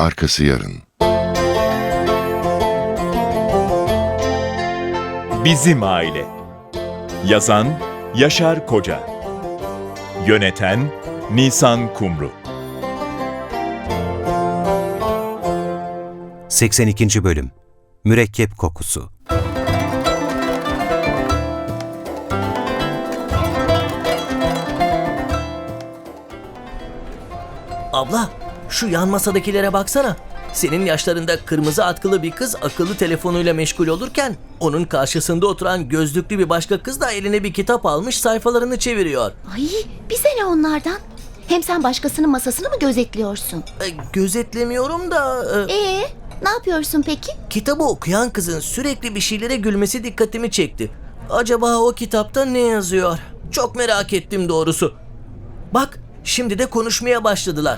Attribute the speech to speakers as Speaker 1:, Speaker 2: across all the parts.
Speaker 1: arkası yarın.
Speaker 2: Bizim Aile. Yazan Yaşar Koca. Yöneten Nisan Kumru.
Speaker 3: 82. Bölüm. Mürekkep kokusu.
Speaker 4: Abla, şu yan masadakilere baksana. Senin yaşlarında kırmızı atkılı bir kız akıllı telefonuyla meşgul olurken onun karşısında oturan gözlüklü bir başka kız da eline bir kitap almış sayfalarını çeviriyor.
Speaker 5: Ay, bize ne onlardan? Hem sen başkasının masasını mı gözetliyorsun?
Speaker 4: Gözetlemiyorum da
Speaker 5: Ne yapıyorsun peki?
Speaker 4: kitabı okuyan kızın sürekli bir şeylere gülmesi dikkatimi çekti. Acaba o kitapta ne yazıyor? Çok merak ettim doğrusu. Bak, şimdi de konuşmaya başladılar.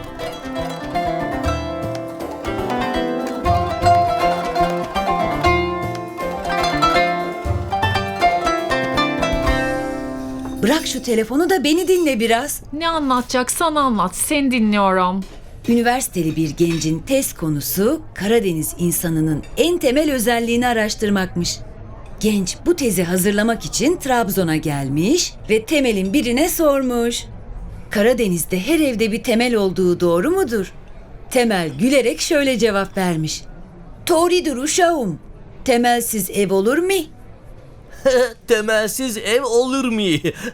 Speaker 6: Bırak şu telefonu da beni dinle biraz.
Speaker 7: Ne anlatacaksan anlat, seni dinliyorum.
Speaker 6: Üniversiteli bir gencin tez konusu Karadeniz insanının en temel özelliğini araştırmakmış. Genç bu tezi hazırlamak için Trabzon'a gelmiş ve Temel'in birine sormuş. Karadeniz'de her evde bir Temel olduğu doğru mudur? Temel gülerek şöyle cevap vermiş. Doğrudur uşağım. Temelsiz ev olur mu?
Speaker 4: Temelsiz ev olur mu?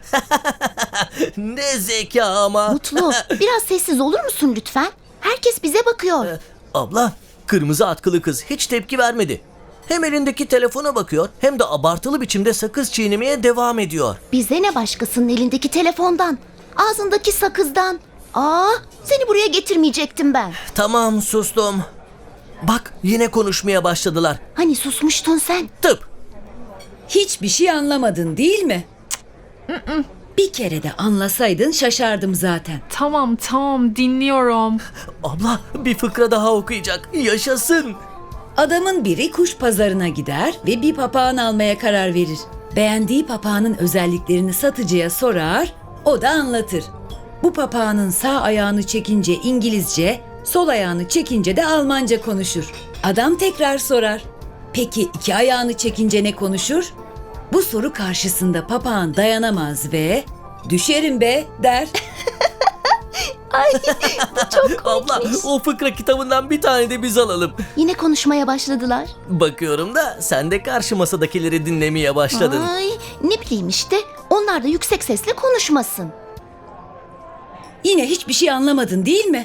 Speaker 4: Ne zeka ama.
Speaker 5: Mutlu, biraz sessiz olur musun lütfen? Herkes bize bakıyor.
Speaker 4: Abla, kırmızı atkılı kız hiç tepki vermedi. Hem elindeki telefona bakıyor hem de abartılı biçimde sakız çiğnemeye devam ediyor.
Speaker 5: Bize ne başkasının elindeki telefondan, ağzındaki sakızdan. Seni buraya getirmeyecektim ben.
Speaker 4: Tamam, sustum. Bak, yine konuşmaya başladılar.
Speaker 5: Hani susmuştun sen?
Speaker 4: Tıp.
Speaker 6: Hiçbir şey anlamadın değil mi? Bir kere de anlasaydın şaşardım zaten.
Speaker 7: Tamam, dinliyorum.
Speaker 4: Abla, bir fıkra daha okuyacak. Yaşasın.
Speaker 6: Adamın biri kuş pazarına gider ve bir papağan almaya karar verir. Beğendiği papağanın özelliklerini satıcıya sorar, o da anlatır. Bu papağanın sağ ayağını çekince İngilizce, sol ayağını çekince de Almanca konuşur. Adam tekrar sorar. Peki iki ayağını çekince ne konuşur? Bu soru karşısında papağan dayanamaz ve "Düşerim be" der.
Speaker 4: Abla, o fıkra kitabından bir tane de biz alalım.
Speaker 5: Yine konuşmaya başladılar.
Speaker 4: Bakıyorum da sen de karşı masadakileri dinlemeye başladın.
Speaker 5: Ay, ne bileyim işte. Onlar da yüksek sesle konuşmasın.
Speaker 6: Yine hiçbir şey anlamadın değil mi?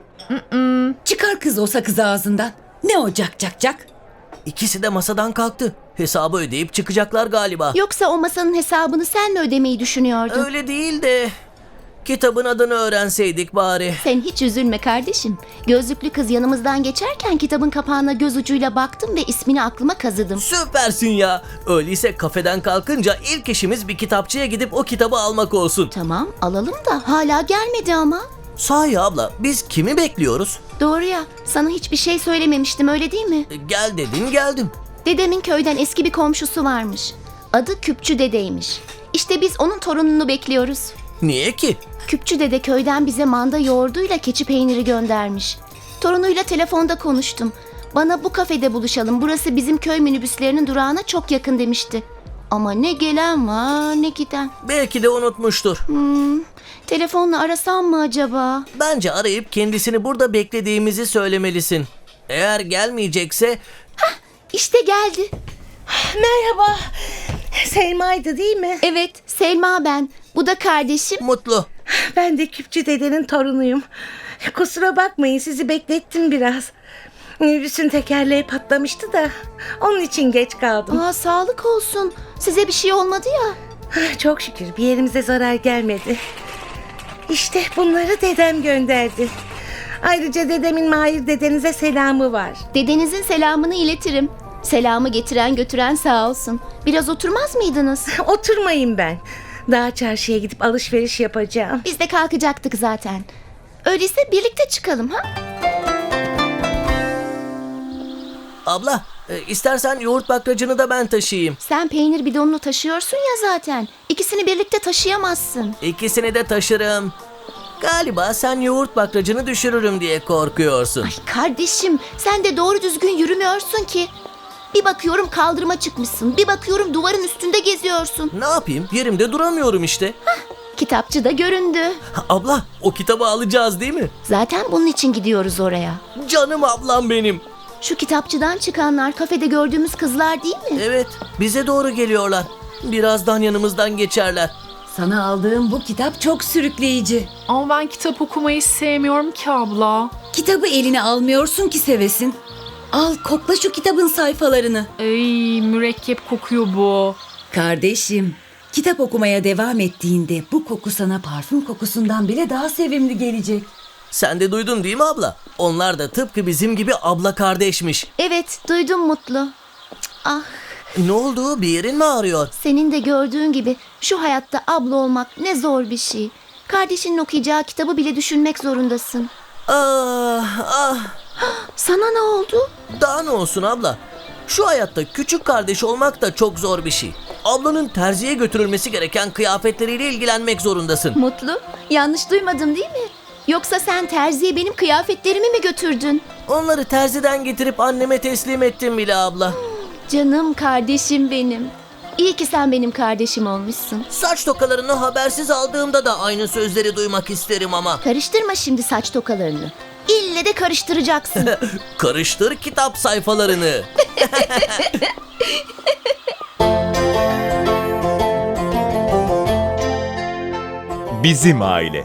Speaker 6: Çıkar kız o sakızı ağzından. Ne o cak cak cak?
Speaker 4: İkisi de masadan kalktı. Hesabı ödeyip çıkacaklar galiba.
Speaker 5: Yoksa o masanın hesabını sen mi ödemeyi düşünüyordun?
Speaker 4: Öyle değil de kitabın adını öğrenseydik bari.
Speaker 5: Sen hiç üzülme kardeşim. Gözlüklü kız yanımızdan geçerken kitabın kapağına göz ucuyla baktım ve ismini aklıma kazıdım.
Speaker 4: Süpersin ya. Öyleyse kafeden kalkınca ilk işimiz bir kitapçıya gidip o kitabı almak olsun.
Speaker 5: Tamam, alalım da hala gelmedi ama.
Speaker 4: Sahi abla, biz kimi bekliyoruz?
Speaker 5: Doğru ya, sana hiçbir şey söylememiştim, öyle değil mi?
Speaker 4: Gel dedin, geldim.
Speaker 5: Dedemin köyden eski bir komşusu varmış. Adı Küpçü Dede'ymiş. İşte biz onun torununu bekliyoruz.
Speaker 4: Niye ki?
Speaker 5: Küpçü Dede köyden bize manda yoğurduyla keçi peyniri göndermiş. Torunuyla telefonda konuştum. Bana bu kafede buluşalım, burası bizim köy minibüslerinin durağına çok yakın demişti. Ama ne gelen var ne giden.
Speaker 4: Belki de unutmuştur.
Speaker 5: Telefonla arasam mı acaba?
Speaker 4: Bence arayıp kendisini burada beklediğimizi söylemelisin. Eğer gelmeyecekse
Speaker 5: İşte geldi.
Speaker 8: Merhaba. Selma'ydı değil mi?
Speaker 5: Evet, Selma ben. Bu da kardeşim.
Speaker 4: Mutlu.
Speaker 8: Ben de Küpçü dedenin torunuyum. Kusura bakmayın, sizi beklettim biraz. Minibüsün tekerleği patlamıştı da onun için geç kaldım.
Speaker 5: Sağlık olsun. Size bir şey olmadı ya.
Speaker 8: Çok şükür bir yerimize zarar gelmedi. İşte bunları dedem gönderdi. Ayrıca dedemin Mahir dedenize selamı var.
Speaker 5: Dedenizin selamını iletirim. Selamı getiren götüren sağ olsun. Biraz oturmaz mıydınız?
Speaker 8: Oturmayın ben. Daha çarşıya gidip alışveriş yapacağım.
Speaker 5: Biz de kalkacaktık zaten. Öyleyse birlikte çıkalım ha?
Speaker 4: Abla, istersen yoğurt bakracını da ben taşıyayım.
Speaker 5: Sen peynir bidonunu taşıyorsun ya zaten. İkisini birlikte taşıyamazsın.
Speaker 4: İkisini de taşırım. Galiba sen yoğurt bakracını düşürürüm diye korkuyorsun.
Speaker 5: Ay kardeşim, sen de doğru düzgün yürümüyorsun ki. Bir bakıyorum kaldırıma çıkmışsın. Bir bakıyorum duvarın üstünde geziyorsun.
Speaker 4: Ne yapayım? Yerimde duramıyorum işte.
Speaker 5: Kitapçı da göründü.
Speaker 4: Abla, o kitabı alacağız değil mi?
Speaker 5: Zaten bunun için gidiyoruz oraya.
Speaker 4: Canım ablam benim.
Speaker 5: Şu kitapçıdan çıkanlar kafede gördüğümüz kızlar değil mi?
Speaker 4: Evet, bize doğru geliyorlar. Birazdan yanımızdan geçerler.
Speaker 6: Sana aldığım bu kitap çok sürükleyici.
Speaker 7: Ama ben kitap okumayı sevmiyorum ki abla.
Speaker 6: Kitabı eline almıyorsun ki sevesin. Al kokla şu kitabın sayfalarını.
Speaker 7: Ey, mürekkep kokuyor bu.
Speaker 6: Kardeşim, kitap okumaya devam ettiğinde bu koku sana parfüm kokusundan bile daha sevimli gelecek.
Speaker 4: Sen de duydun değil mi abla? Onlar da tıpkı bizim gibi abla kardeşmiş.
Speaker 5: Evet, duydum Mutlu. Ah,
Speaker 4: Ne oldu? Bir yerin mi ağrıyor?
Speaker 5: senin de gördüğün gibi şu hayatta abla olmak ne zor bir şey. Kardeşinin okuyacağı kitabı bile düşünmek zorundasın.
Speaker 4: Ah.
Speaker 5: Sana ne oldu?
Speaker 4: Daha ne olsun abla? Şu hayatta küçük kardeş olmak da çok zor bir şey. Ablanın terziye götürülmesi gereken kıyafetleriyle ilgilenmek zorundasın.
Speaker 5: Mutlu, yanlış duymadım değil mi? Yoksa sen terziye benim kıyafetlerimi mi götürdün?
Speaker 4: Onları terziden getirip anneme teslim ettim bile abla.
Speaker 5: Canım kardeşim benim. İyi ki sen benim kardeşim olmuşsun.
Speaker 4: Saç tokalarını habersiz aldığımda da aynı sözleri duymak isterim ama.
Speaker 5: Karıştırma şimdi saç tokalarını. İlle de karıştıracaksın.
Speaker 4: Karıştır kitap sayfalarını.
Speaker 2: Bizim Aile.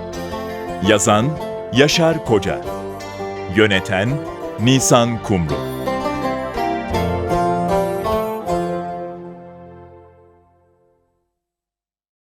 Speaker 2: Yazan Yaşar Koca. Yöneten Nisan Kumru.